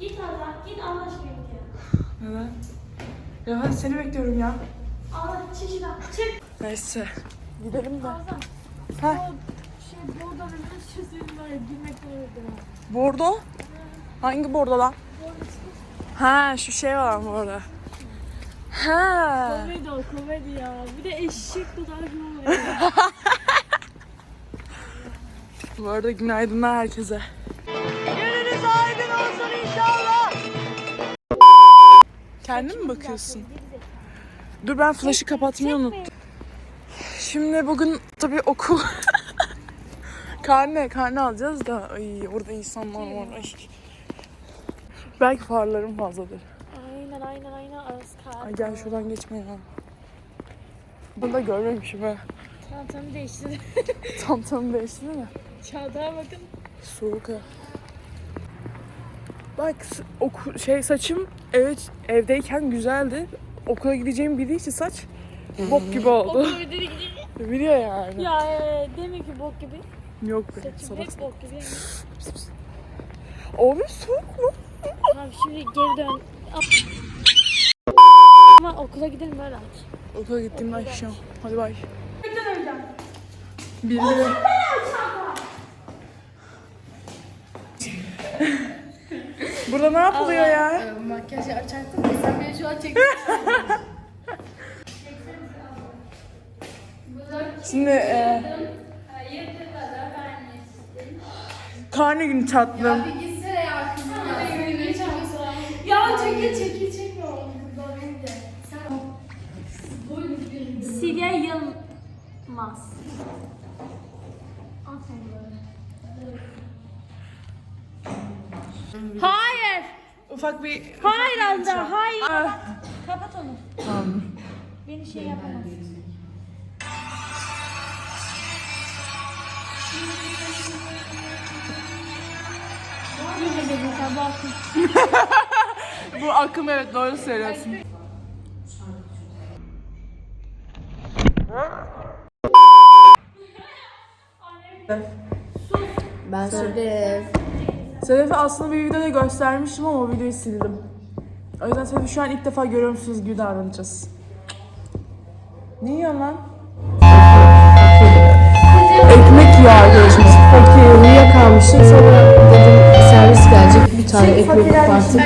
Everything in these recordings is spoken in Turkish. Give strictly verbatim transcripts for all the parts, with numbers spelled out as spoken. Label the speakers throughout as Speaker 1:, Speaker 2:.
Speaker 1: Git Allah, git Allah aşkına git ya.
Speaker 2: Neden? Ya hadi seni bekliyorum ya.
Speaker 1: Allah çeşiden, çık.
Speaker 2: Neyse. Gidelim de.
Speaker 1: Azam.
Speaker 2: Ha.
Speaker 1: Şey, bordo ve bir çözüm var ya, girmek zorunda.
Speaker 2: Bordo? Hangi bordo lan? Ha şu şey var mı orada? Ha.
Speaker 1: Komedi o, komedi ya. Bir de eşek kadar gibi oluyor.
Speaker 2: Bu arada günaydınlar herkese. Gününüz aydın olsun inşallah. Kendin mi bakıyorsun? Dur ben flaşı kapatmayı unuttum. Şimdi bugün tabii okul karne karne alacağız da ay orada insanlar var. Ay. Belki farlarım fazladır.
Speaker 1: Aynen aynen aynen arası kaldı.
Speaker 2: Ay gel şuradan geçme ya. Bunu da görmemişim ha.
Speaker 1: Çantamı değiştirdim.
Speaker 2: Tam tam değişti değil mi?
Speaker 1: Çantaya bakın.
Speaker 2: Soğuk ha. Bak oku, şey saçım evet evdeyken güzeldi. Okula gideceğim bildiği için saç bok gibi oldu.
Speaker 1: Okul ödedi gidiyor.
Speaker 2: Biliyor yani.
Speaker 1: Ya e, demek ki bok gibi.
Speaker 2: Yok be.
Speaker 1: Saçım
Speaker 2: Salak.
Speaker 1: hep bok gibi.
Speaker 2: Abi soğuk mu?
Speaker 1: Tamam şimdi geri dön. Ama okula gidelim öyle aç.
Speaker 2: Okula gittiğimde açacağım. Hadi bay. Birileri... Burada ne yapılıyor ya?
Speaker 3: Makyajı açacaktım. Sen beni şu an çektin.
Speaker 2: Şimdi e, karne günü tatlım.
Speaker 3: Bir gitsene ya kızım ya.
Speaker 1: Ya çekil çekil çekme oğlum. Silya Yılmaz. Hayır.
Speaker 2: Ufak bir...
Speaker 1: Hayır Azra, hayır.
Speaker 2: Ah,
Speaker 1: Kapat onu.
Speaker 2: tamam.
Speaker 1: Beni şey yapamaz. Yine dedim sen bakın.
Speaker 2: Bu akım evet doğru söylüyorsun.
Speaker 3: Ben Sedef.
Speaker 2: Sedef'i aslında bir videoda göstermiştim ama o videoyu sildim. O yüzden Sedef'i şu an ilk defa görüyormuşsunuz gibi davranacağız. Ne yiyorsun lan? Ekmek yağı görüşmüş.
Speaker 3: Fakir uyuyakalmışım. Sonra dedim servis gelecek. Bir tane ekmek kopartıp.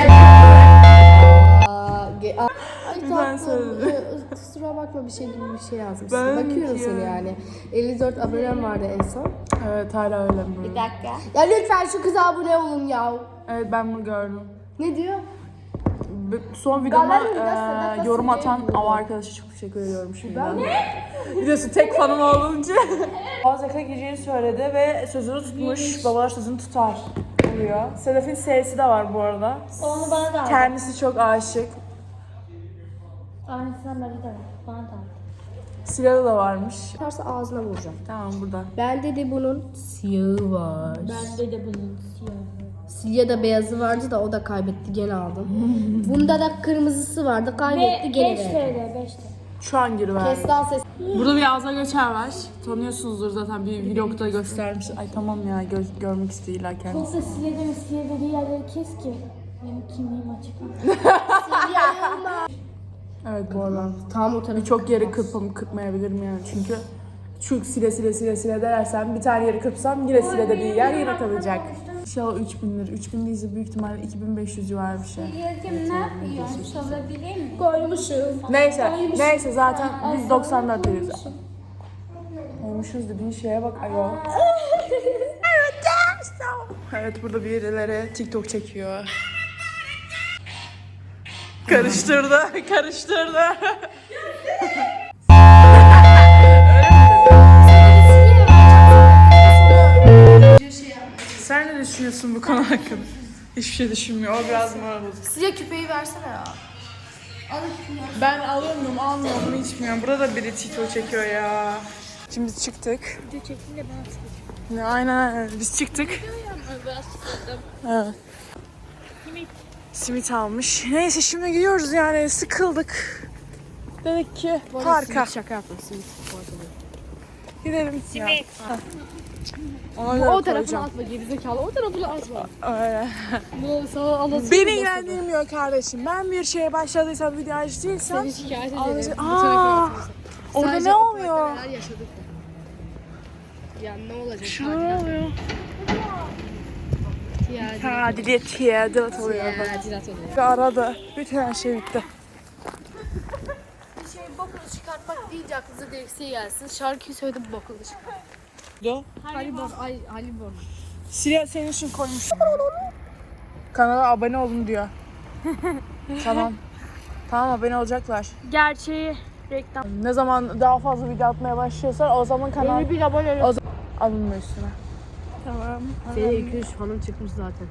Speaker 3: Ay
Speaker 2: Ben
Speaker 3: tatlım.
Speaker 2: söyledim.
Speaker 3: Ee, Kusura bakma bir şey gibi bir şey yazmışsın.
Speaker 2: Ben
Speaker 3: Bakıyorum
Speaker 2: ki.
Speaker 3: seni yani. elli dört abonem vardı en son.
Speaker 2: Evet hala öyle mi?
Speaker 1: dakika.
Speaker 3: Ya lütfen şu kıza abone olun ya.
Speaker 2: Evet ben bunu gördüm.
Speaker 3: Ne diyor?
Speaker 2: Son videoma
Speaker 3: Galerinde Sedef
Speaker 2: e, yorum
Speaker 3: Aslı'yı
Speaker 2: atan
Speaker 3: buldum.
Speaker 2: av arkadaşa çok teşekkür ediyorum şimdiden. Biliyorsun tek fanım olunca. Boğazaka gideceğini söyledi ve sözünü tutmuş. Babalar sözünü tutar oluyor. Sedef'in S'si de var bu arada.
Speaker 1: Onu bana da al.
Speaker 2: Kendisi çok aşık.
Speaker 1: Aynısından bana da al. Bana da al.
Speaker 2: Silahı da varmış.
Speaker 3: Varsa ağzına vuracağım.
Speaker 2: Tamam burada.
Speaker 3: Bende de bunun siyahı var.
Speaker 1: Bende de bunun siyahı.
Speaker 3: Siyah da beyazı vardı da o da kaybetti gene aldım. Bunda da kırmızısı vardı kaybetti gene
Speaker 1: beş
Speaker 3: verdi.
Speaker 1: TL, beş TL.
Speaker 2: Şu an giriver.
Speaker 3: Kestan ses.
Speaker 2: Burada bir Azra Göçer var. Tanıyorsunuzdur zaten bir vlogda göstermiş. Ay tamam ya gö- görmek istiyor illa kendisi.
Speaker 1: Yoksa Silya deme, Silya dediği yerleri kes ki. Benim kimliğim açık.
Speaker 2: Evet bu arada.
Speaker 3: Tam o tarafı.
Speaker 2: Çok yeri kırpam kırpmayabilirim yani çünkü şu sile sile sile sile dersem bir tane yeri kırpsam yine sile dediği yer yine kalacak. İnşallah üç bin lira. üç bin değilse büyük ihtimalle iki bin beş yüz civarı bir şey.
Speaker 1: Siliyacım ne yapıyorsun? Sorabilir miyim?
Speaker 3: Koymuşum.
Speaker 2: Neyse, neyse zaten biz doksan dört veriyoruz. Koymuşuz dediğin şeye bak ayol. Evet burada birileri TikTok çekiyor. Karıştırdı, karıştırdı. Sen ne düşünüyorsun bu konu hakkında? Hiçbir şey düşünmüyor. O biraz moral bozuk.
Speaker 3: Siyah küpeyi versene ya.
Speaker 2: Ben alıyor muyum, almıyor muyum içmiyorum. Burada da biri TikTok çekiyor ya. Şimdi biz çıktık.
Speaker 1: Video çektiğinde bana çıkacak.
Speaker 2: Ya, aynen biz çıktık.
Speaker 1: Ben sıkıldım.
Speaker 2: Evet.
Speaker 1: Simit.
Speaker 2: Simit almış. Neyse şimdi gidiyoruz yani sıkıldık. Dedik ki parka.
Speaker 3: Şaka yaptım simit.
Speaker 2: Gidelim.
Speaker 1: Simit.
Speaker 2: Ya. Ona göre
Speaker 3: O tarafını
Speaker 2: koyacağım.
Speaker 3: atma gerizekalı. O tarafını atma.
Speaker 2: Öyle.
Speaker 3: Bu sana alasın.
Speaker 2: Beni ilgilendirmiyor kardeşim. Ben bir şeye başladıysam, video açtıysam...
Speaker 3: Seni şikayet ederim.
Speaker 2: Anlayacak-
Speaker 3: Bu tarafa
Speaker 2: Aa,
Speaker 3: atıyorsun.
Speaker 2: orada
Speaker 3: Sadece
Speaker 2: ne
Speaker 3: o
Speaker 2: oluyor?
Speaker 3: parkta neler yaşadık ya. Ya ne olacak?
Speaker 2: Şurada ne oluyor?
Speaker 3: Tiyadilat.
Speaker 2: Tadilat, tiyadilat oluyor.
Speaker 3: Tiyadilat oluyor.
Speaker 2: Aradı. Bütün her şey bitti.
Speaker 3: Bir şey bokunu çıkartmak deyince aklınıza direksiye gelsin. Şarkıyı söyledim bokunu çıkart.
Speaker 2: Do.
Speaker 3: Halibor, ay Halibor.
Speaker 2: Siriya senin için koymuş. Kanala abone olun diyor. Tamam. Tamam, abone olacaklar.
Speaker 1: Gerçeği reklam.
Speaker 2: Ne zaman daha fazla video atmaya başlıyorsan o zaman kanal
Speaker 1: bir abone
Speaker 2: o zaman alınma üstüne.
Speaker 1: Tamam.
Speaker 3: Senin iki üç fanın çıkmış zaten.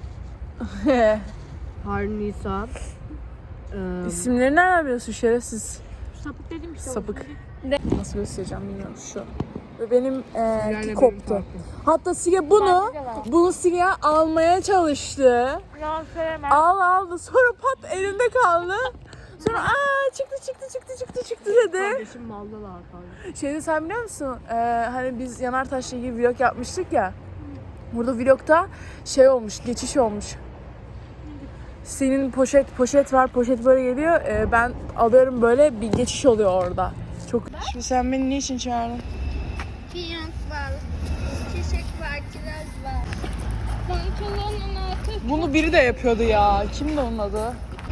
Speaker 3: Harun Nisa. Ee,
Speaker 2: İsimleri nereden biliyorsun şerefsiz?
Speaker 1: Sapık dedim işte.
Speaker 2: Sapık. Nasıl göstereceğim bilmiyorum şu. Ve benim
Speaker 3: Siria'yla
Speaker 2: eee
Speaker 3: benim
Speaker 2: koptu.
Speaker 3: farkım.
Speaker 2: Hatta Siriya bunu, bunu Siriya almaya çalıştı.
Speaker 1: Yalan söylemem.
Speaker 2: Al aldı, sonra pat elinde kaldı. Sonra aa çıktı çıktı çıktı çıktı çıktı dedi.
Speaker 3: Kardeşim maldalar kanka.
Speaker 2: Şeyde sen biliyor musun? Ee, hani biz Yanartaş'la ilgili vlog yapmıştık ya. Burada vlogta şey olmuş, geçiş olmuş. Senin poşet poşet var, poşet böyle geliyor. Ee, ben alıyorum böyle bir geçiş oluyor orada. Çok. Şimdi sen beni niçin çağırdın?
Speaker 4: Fiyonk var, çiçek var, kiraz var. Pantolonun altı.
Speaker 2: Bunu biri de yapıyordu ya. Kimdi onun adı?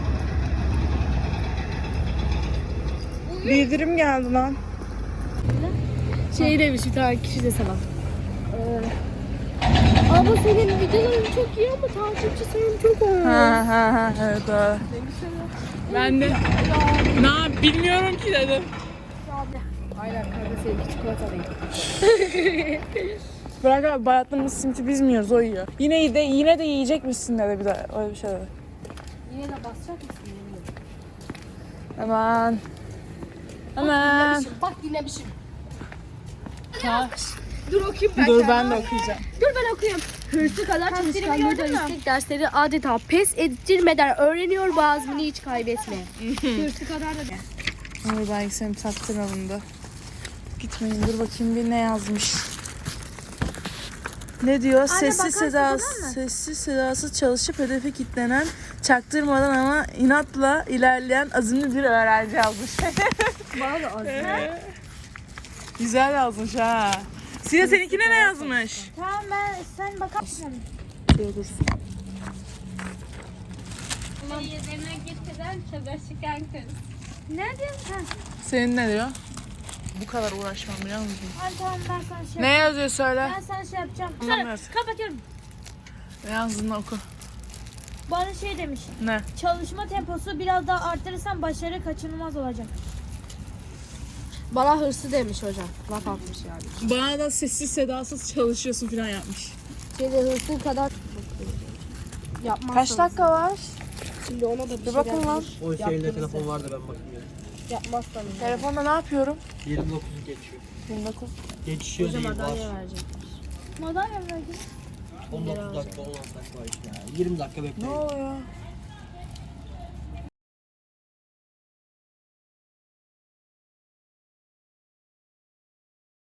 Speaker 2: Bildirim geldi lan.
Speaker 3: Şey demiş bir tane kişi de sana. Ee, ama senin videoların çok iyi ama takipçi sayın çok az.
Speaker 2: Ha ha ha evet doğru. Ben de ne bilmiyorum ki dedim.
Speaker 3: Aynen kanka seninki çikolata değil.
Speaker 2: Bırak abi bayatlamış simiti biz mi yiyoruz o yiyor. Yine de yine de yiyecek misin dedi bir de öyle bir şey dedi.
Speaker 3: Yine de basacak mısın? Yemin ederim.
Speaker 2: Aman. Aman.
Speaker 3: Bak dinlemişim.
Speaker 2: Ha.
Speaker 3: Dur okuyayım ben.
Speaker 2: Dur ben de okuyacağım.
Speaker 3: Dur ben okuyayım. Hırsı kadar çalışkanlığı da yüksek dersleri adeta pes ettirmeden öğreniyor bu azmini hiç kaybetme. Hırsı kadar da
Speaker 2: Dur belki seni taktıralım da. Gitmeyin dur bakayım bir ne yazmış. Ne diyor? Sessiz sedasız, sessiz sedasız çalışıp hedefe kilitlenen, çaktırmadan ama inatla ilerleyen azimli bir öğrenci yazmış.
Speaker 3: bana da azmi.
Speaker 2: Güzel yazmış ha. Sine seninkine ne yazmış?
Speaker 1: Tamam ben sen bakar mısın?
Speaker 2: Şöyle dursun.
Speaker 4: Yerine getiren çalışkan kız.
Speaker 1: Ne diyorsun sen?
Speaker 2: Senin ne diyor? Bu kadar uğraşmam biliyor musun?
Speaker 1: Hadi tamam ben sana şey
Speaker 2: Ne yazıyor söyle.
Speaker 1: Ben sana şey yapacağım.
Speaker 2: Anlamıyoruz.
Speaker 1: Sana kapatıyorum.
Speaker 2: Ne yazdığını oku.
Speaker 1: Bana şey demiş.
Speaker 2: Ne?
Speaker 1: Çalışma temposu biraz daha arttırırsan başarı kaçınılmaz olacak.
Speaker 3: Bana hırsı demiş hocam. Laf atmış yani.
Speaker 2: Bana da sessiz sedasız çalışıyorsun falan yapmış.
Speaker 3: Şeyde hırsın kadar yapmazsanız.
Speaker 2: Kaç dakika var?
Speaker 3: Şimdi ona da bir,
Speaker 2: Bir
Speaker 3: şey
Speaker 2: bakın lan.
Speaker 5: O şeyinde telefon vardı ben bakayım ya.
Speaker 3: yapmazsanız.
Speaker 2: Telefonda ne yapıyorum?
Speaker 5: yirmi dokuzu geçiyor.
Speaker 2: yirmi dokuz.
Speaker 5: Geçişiyor
Speaker 3: Hocam
Speaker 5: değil var.
Speaker 3: madalya verecek.
Speaker 1: Madalya mı verdin?
Speaker 5: on dokuz dakika on altı dakika var işte ya. yirmi dakika
Speaker 2: Ne
Speaker 5: bekleyin.
Speaker 2: oluyor?